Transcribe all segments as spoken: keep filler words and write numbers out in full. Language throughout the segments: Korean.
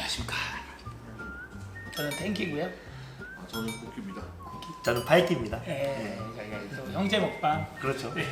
안녕하십니까. 저는 탱키고요. 아, 저는 고기입니다. 저는 바이키입니다. 예, 저희가 또 형제 먹방 그렇죠. 네.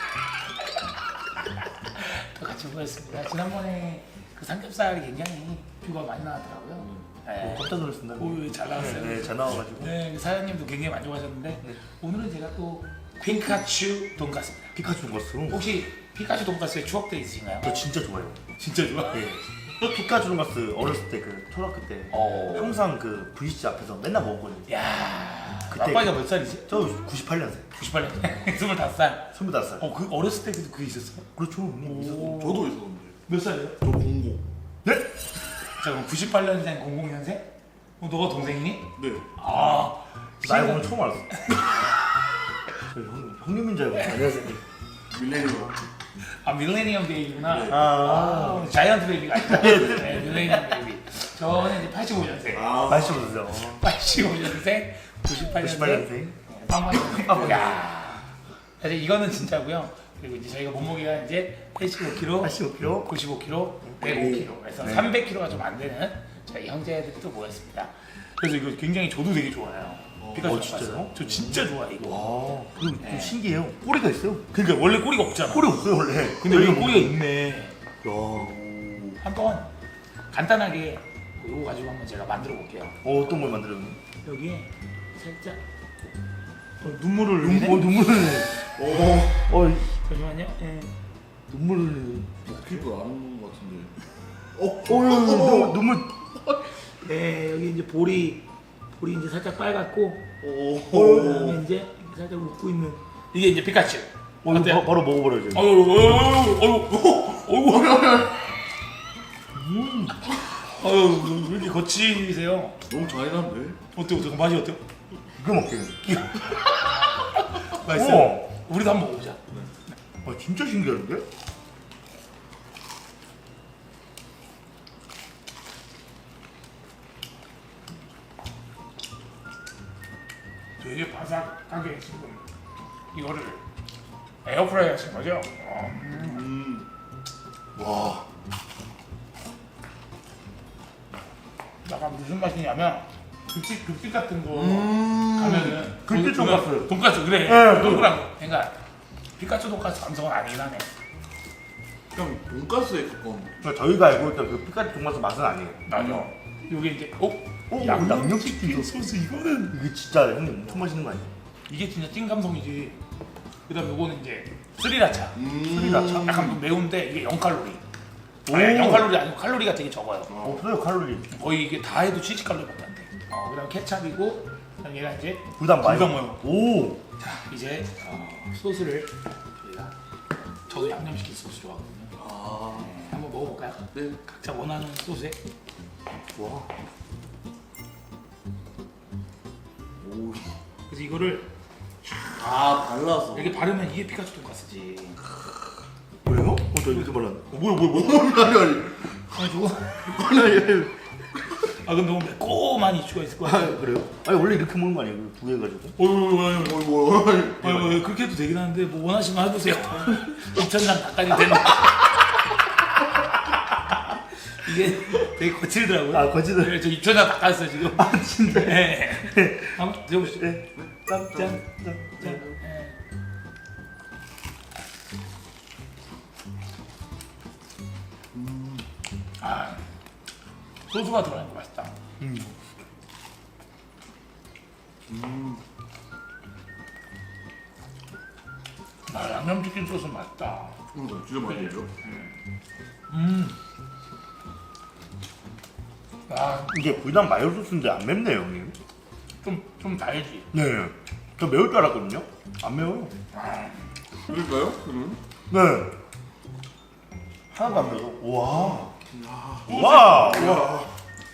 또 같이 모였습니다. 지난번에 그 삼겹살이 굉장히 뷰가 많이 나왔더라고요. 음. 네. 오, 깜짝 놀랐습니다. 오, 잘 나왔어요. 네, 네, 잘 나와가지고. 네, 그 사장님도 굉장히 만족하셨는데 네. 오늘은 제가 또 피카츄 돈가스입니다. 피카츄 돈가스. 혹시 피카츄 돈가스에 추억도 있으신가요? 저 진짜 좋아요. 진짜 좋아? 네. 피카츄 돈가스 어렸을 때 그 초등학교 때 어. 항상 그 브이씨 앞에서 맨날 먹었거든요. 야, 그때- 아빠가 몇 살이지? 저 구십팔 년생, 구십팔 년, 스물다섯 살. 스물다섯 살. 어, 그 어렸을 때도 그게 있었어? 그렇죠. 형님. 오. 저도 있었는데. 몇 살이에요? 저 공고. 네? 자, 그럼 구십팔 년생, 공공 년생? 어, 너가 동생이니? 네. 아, 나 이거 오늘 처음 알았어. 저 형, 형님인 줄 알고. 안녕하세요. 밀레니엄. 아 밀레니엄 베이비구나. 네. 아, 아, 자이언트 베이비가 아니라 네, 밀레니엄 베이비. 저는 이제 팔십오 년생. 아, 맛있어보세요. 팔십오 년생, 구십팔 구십팔 년생. 년생. 빵빵. 야. 사실 이거는 진짜고요. 그리고 이제 저희가 몸무게가 이제 팔십오 킬로그램, 팔십오 킬로그램. 구십오 킬로그램, 백오 킬로그램. 그래서 네. 삼백 킬로그램가 좀 안 되는 저희 형제들이 또 모였습니다. 그래서 이거 굉장히 저도 되게 좋아요. 피카츄 어, 돈가스. 진짜요? 저 진짜 좋아해 이거. 와, 그리고 좀 네. 신기해요. 꼬리가 있어요. 그러니까 원래 꼬리가 없잖아. 꼬리 없어요 원래. 근데 여기 여기 꼬리가 있네. 야, 한번 간단하게 이거 가지고 한번 제가 만들어 볼게요. 어, 어떤 걸 만들어요? 여기에 살짝 어, 눈물을 눈, 흘리네. 어, 눈물을 흘리네. 오. 어, 잠시만요. 예. 눈물을 흘리네. 피부 안 오는 것 같은데. 어, 어, 눈물, 눈물. 네, 여기 이제 볼이 볼이 이제 살짝 빨갛고 오. 그다음에 이제 이렇게 살짝 웃고 있는 이게 이제 피카츄. 어, 이거 어때요? 바, 바로 먹어버려요. 지금. 어유 어유 어유 어유 음. 어유 왜 이렇게 거치세요? 너무 잔인한데? 어때요? 어때요? 맛이 어때요? 이거 먹게. 맛있어요? 우와. 우리도 한번 먹어보자. 아, 진짜 신기한데? 되게 바삭하게 지금 이거를 에어프라이 하신 거죠? 어. 음. 와. 약간 무슨 맛이냐면 급식 급식 같은 거 음. 가면은 급식 돈- 돈가스. 돈가스 그래. 네. 동그란 거. 그러니까 피카츄 돈가스 감성은 아니긴 하네. 그냥 돈가스에 가까운. 그러니까 저희가 알고 있던 그 피카츄 돈가스 맛은 아니에요. 맞아. 이게 이제 어? 어, 양념치킨 소스 이거는 이게 진짜 형님 엄청 맛있는 거 아니에요? 이게 진짜 찐 감성이지. 그다음 요거는 이제 스리라차. 음. 스리라차? 약간 좀 매운데 이게 영 칼로리. 오. 아니, 영 칼로리 아니고 칼로리가 되게 적어요. 없어요 칼로리. 거의 이게 다 해도 칠십 칼로리밖에 안 돼. 어, 그다음 케찹이고 그다음 얘가 이제 불닭 마요. 불닭 마요. 오. 자 이제 어, 소스를 저희가 저도 양념치킨 소스 좋아하거든요. 아. 네, 한번 먹어볼까요? 네. 각자 원하는 소스에 와. 오. 그래서 이거를 아, 발라서. 이렇게 바르면 이게 피카츄 돈가스지. 왜요? 어, 저 이렇게 발랐네. 어, 뭐야 뭐야 뭐야? 아니, 아니. 아 저거 아니, 아니. 아 근데 너무 매콤한 이슈가 있을 것 아, 같아요. 그래요? 아니 원래 이렇게 먹는 거 아니에요? 두 개 가지고? 어이구 어이, 뭐. 어이구 그렇게 해도 되긴 하는데 뭐 원하시면 해보세요. 입천장 닭다리 되는. 이게 되게 거칠더라고요. 아, 거칠어요? 네, 저 입천장 닭다렸어요 지금. 아 진짜. 네. 한번 드셔보시죠. 네. 짠, 짠, 짠, 짠. 네. 아 소스가 들어가니까 맛있다. 음. 음. 아 양념치킨 소스 맛있다. 이거 진짜 맛있네요. 음. 아, 이게 불닭 마요 소스인데 안 맵네요, 형님. 좀, 좀 달지. 네. 저 매울 줄 알았거든요. 안 매워요. 아, 그럴까요? 그러면? 네. 하나도 안 매워. 와. 야. 와. 와.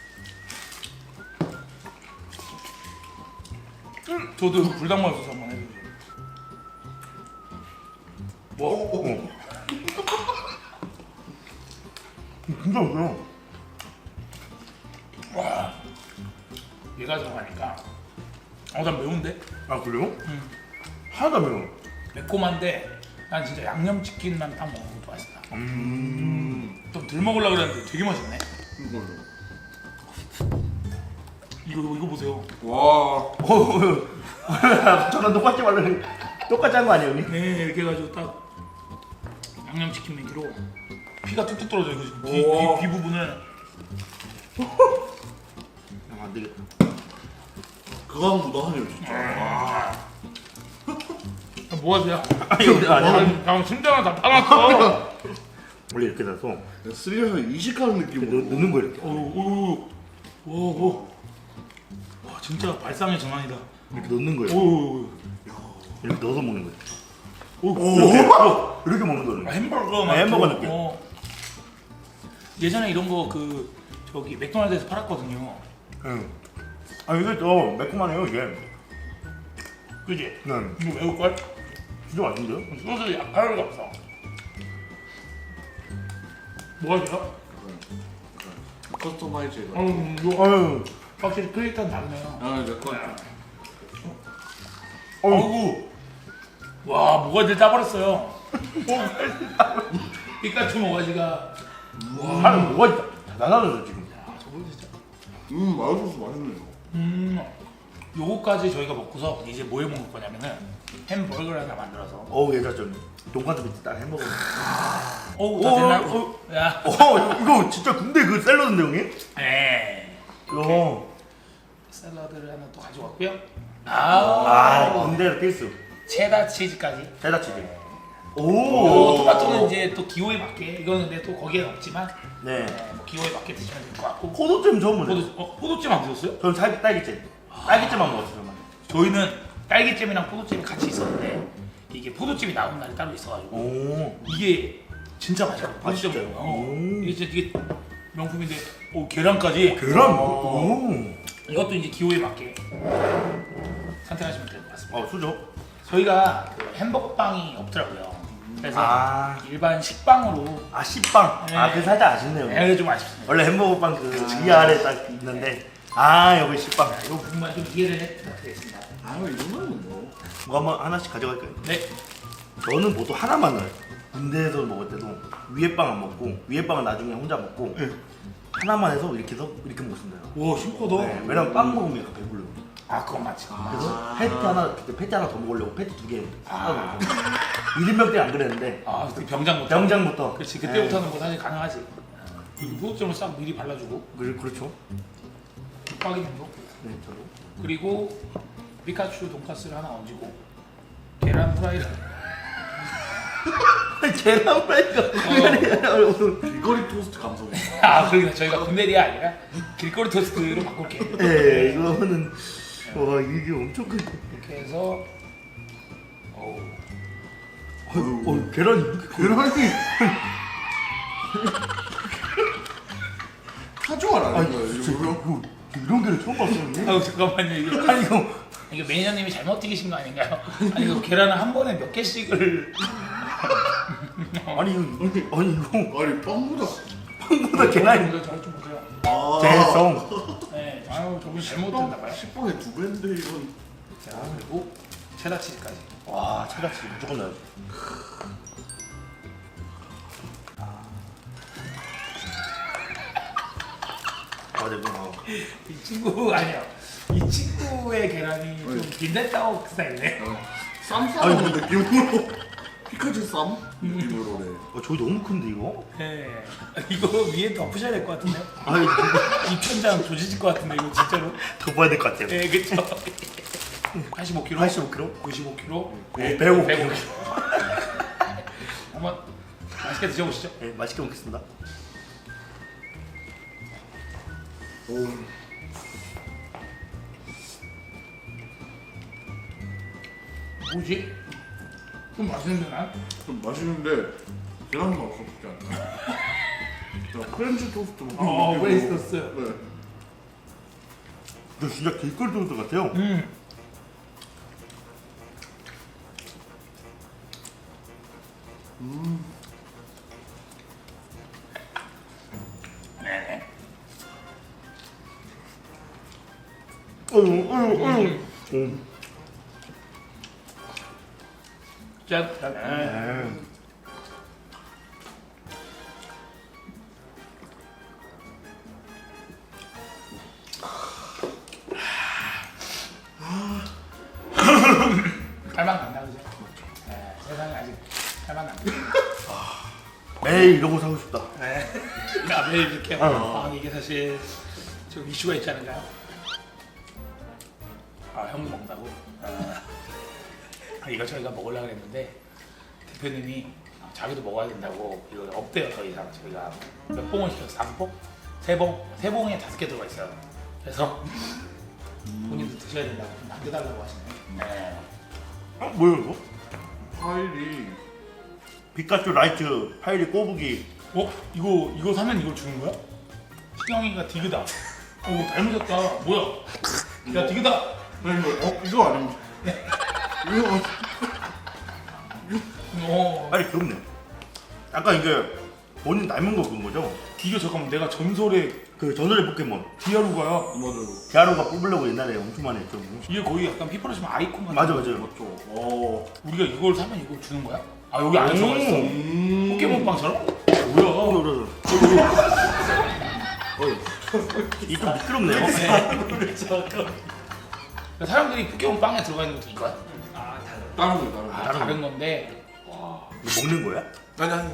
저도 이거 불닭맛 소스 한번 해주세요. 뭐? 어. 진짜 맛있어요. 와, 얘가 들어가니까. 어, 난 매운데? 아, 그래요? 음. 하나도 안 매워. 매콤한데, 난 진짜 양념치킨만 딱 먹는 것도 맛있다. 음. 좀 덜 먹으려고 그랬는데 되게 맛있네. 이걸로. 이거 이거 보세요. 와. 저랑 똑같이 말로 똑같이 한 거 아니에요, 형님? 네, 이렇게 해가지고 딱 양념치킨 먹기로 피가 뚝뚝 떨어져 이거 지금 귀, 우와. 귀, 귀 부분을. 아, 안 되겠다. 그거 한번더 하네요 진짜. 와. 뭐 하세요? 아니, 근데 아니야. 방 심장을 다 따놨어. 원래 이렇게 돼서 스릴에서 이식하는 이렇게 넣, 느낌으로. 넣는 거 이렇게. 오오오 오. 와 진짜 발상의 전환이다. 이렇게 넣는 거예요. 오. 이렇게 넣어서 먹는 거예요. 오. 이렇게, 어, 이렇게 먹는 거예요. 아, 햄버거 막 네, 햄버거 그- 느낌. 어. 예전에 이런 거 그 저기 맥도날드에서 팔았거든요. 응. 아, 이게 또 매콤하네요, 이게. 그지? 네. 이거 매울 걸? 진짜 맛있는데요? 소스 약간 없어. 뭐가 돼요? 커스터마이즈. 음, 이거 아유, 확실히 크리에이터는 다르네요. 아 이제 거. 아이고, 와 뭐가 짜버렸어요. 피카츄 모가지가. 하는 뭐가 있다. 대단하죠, 지금. 야, 저거 진짜. 음 마요소스 맛있네요. 음, 요거까지 저희가 먹고서 이제 뭐 해 먹을 거냐면은 햄버거를 하나 만들어서. 어우, 얘가 좀 돈까스 밑에 딱 햄버거. 어우, 다 오, 됐나요? 오, 야, 어, 이거, 이거 진짜 군대 그 샐러드인데, 형님? 네. 이거. 샐러드를 하나 또 가져왔고요. 아, 아, 군대 필수. 체다 치즈까지. 대다치즈. 오, 오, 토마토는 이제 또 기호에 맞게. 이거는 근데 또 거기엔 없지만, 네. 네, 뭐 기호에 맞게 드시면 될 것 같고. 포도잼 처음 보네. 포도, 어, 포도잼 안 드셨어요? 저는 딸기, 딸기잼. 딸기잼만 먹었어요, 저만. 저희는 딸기잼이랑 포도잼이 같이 있었는데 이게 포도잼이 나온 날이 따로 있어가지고 오. 이게 진짜 맛있거든요. 아, 포도잼. 진짜요? 어, 오. 이게 진짜 되게 명품인데, 오, 계란까지. 계란? 어, 오. 이것도 이제 기호에 맞게 선택하시면 될 것 같습니다. 어, 수저. 저희가 그 햄버거 빵이 없더라고요. 그래서 아. 일반 식빵으로. 아, 씨빵. 네. 아, 그 살짝 아쉽네요. 네, 좀 아쉽습니다. 원래 햄버거빵 그 위아래 딱 있는데. 아, 여기 씨빵. 이 부분만 좀 이해를 해드리겠습니다. 아이 정도면 뭐. 뭐 한번 하나씩 가져갈까요? 네. 저는 보통 하나만 넣어요. 군대에서 먹을 때도 위에 빵 안 먹고 위에 빵은 나중에 혼자 먹고 네. 하나만 해서 이렇게 해서 이렇게 먹습니다. 와, 심하다. 네, 왜냐면 빵 먹으면 약간 배불러요. 아, 그건 맞지. 그래서 패티 하나 그때 패티 하나 더 먹으려고 패티 두개 사다 먹고 일 인명 때 안 그랬는데 아, 그때 병장부터. 병장부터 그렇지, 그때부터는 뭐 사실 가능하지. 이 포도점을 싹 미리 발라주고 네. 그렇죠. 빡이면도. 네, 저도. 그리고 피카츄 돈까스를 하나 얹고 계란 후라이를. 계란 프라이가 길거리 토스트 감성이. 아, 그러니까 저희가 군대리아 아니라 길거리 토스트로 바꿀게요. 네, 이거는 와 이게 엄청 큰. 이렇게 해서 어우, 어, 어, 계란이 이렇게 커요. 계란이. 카주알 아니 아닌가요? 진짜 이거? 이거 이런 게를 처음 봤어요. 형님. 아유 잠깐만요, 이게 아니 이거 이게 매니저님이 잘못 튀기신 거 아닌가요? 아니 이거 계란을 한 번에 몇 개씩을. 아니 이거 아니 이거 아니 빵보다. 빵보다 계란이 이거 저좀 보세요. 아. 재성. 네, 아유 저분 잘못했나 봐요. 식빵에 두 배인데 이건. 자, 그리고 체다 치즈까지. 와 차가치 무조건 넣어요. 아, 네, 뭐. 이 친구 아니요. 이 친구의 계란이 좀 빈대떡 스타일이네. 쌈 싸먹는 느낌으로. 피카츄 쌈 느낌으로네. 어, 저기 너무 큰데 이거? 네. 이거 위에 덮으셔야 될 것 같은데요? 아니 입천장 조지질 것 같은데 이거 진짜로? 더 봐야 될 것 같아요. 네, 그쵸. 팔십오 킬로그램, 팔십오 킬로그램? 구십오 킬로그램, 네, 백오 킬로그램. 한번 맛있게 드셔보시죠. 네, 맛있게 먹겠습니다. 오. 뭐지? 좀 맛있는데 난? 좀 맛있는데 계란 맛 없지 않나? 자, 프렌치 토스트 먹는 어, 느낌으로. 프렌치 토스트. 네. 이거 진짜 길거리 토스트 같아요. 음. 음. 네네. 어휴, 어휴, 어휴. 음. 짠. 네. 네. 할만 난다 그죠? 네, 세상에 아직 할만 난다. 매일 이런 거 사고 싶다. 네. 그러니까 매일 이렇게 어. 아, 이게 사실 좀 이슈가 있지 않을까요? 아 형도 먹는다고? 아, 이거 저희가 먹으려고 했는데 대표님이 자기도 먹어야 된다고 이거 없대요. 더 이상 저희가 몇 봉을 시켰어? 다섯 봉? 세 봉? 세 봉에 다섯 개 들어가 있어요. 그래서 본인도 드셔야 된다고 좀 남겨달라고 하시네요. 네. 어? 뭐야 이거? 파일이 피카츄 라이트 파이리 꼬부기. 어? 이거 이거 사면 이걸 주는 거야? 시경이가 디그다. 오 닮으셨다. 뭐야? 야 디그다. 아니 이거 어 이거 아니면 이거 어. 빨리 귀엽네. 약간 이게 본인 닮은 거 그런 거죠? 이거 잠깐만 내가 전설의 그 전설의 포켓몬 디아루가야. 맞아요. 디아루가 뽑으려고 옛날에 엄청 많이 했죠. 이게 거의 약간 피플로 치면 아이콘 같은. 맞아 맞아요. 맞죠. 어. 우리가 이걸 사면 이걸 주는 거야? 아 여기 안에 들어가 있어. 음. 포켓몬빵처럼? 어, 뭐야? 그래 이게 좀 미끄럽네요. 사람들이 포켓몬빵에 들어가 있는 것도 이거야? 다른 거 다른 거. 아 다른 건데. 이거 먹는 거야? 아니 아니.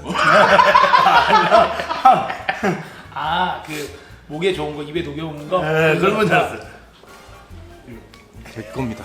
아 그 목에 좋은 거 입에 녹여먹는 거? 네 그런 건 줄 알았어요. 제 겁니다.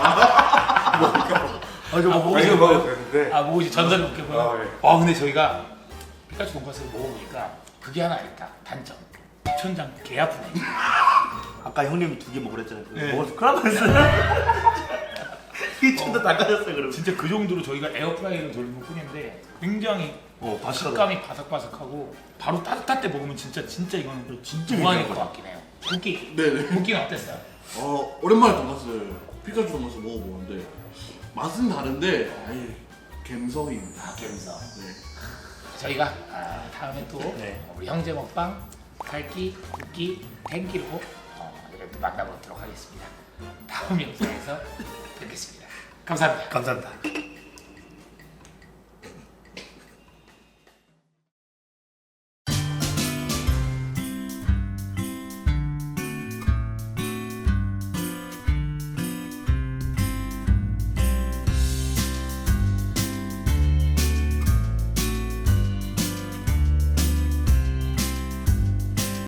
아 저 뭐 먹고 이거 싶어요. 먹어도 되는데. 아 뭐지 전설의 포켓몬? 아, 네. 아 근데 저희가 피카츄 돈까스를 먹어보니까 그게 하나 있다. 단점. 천장 개 아프네. 아까 형님이 두 개 먹으랬잖아요. 네. 먹어서 큰일 났어요. 이천도 닦아졌어요 그러면. 진짜 그 정도로 저희가 에어프라이어를 돌리는 뿐인데 굉장히 어 바삭하다. 식감이 바삭바삭하고 바로 따뜻할 때 먹으면 진짜 진짜 이거는 진짜 무한일 괜찮은 것 같긴 해요. 굵기 네네. 굵기는 어땠어요? 어 오랜만에 돈가스 피카츄 돈가스 먹어보는데 맛은 다른데 아예 갬성입니다. 아 감성. 네. 저희가 아, 다음에 또 네. 우리 형제 먹방 살기, 굵기, 탱기로 어, 이렇게 또 만나보도록 하겠습니다. 다음 영상에서 뵙겠습니다. 감사합니다. 감사합니다.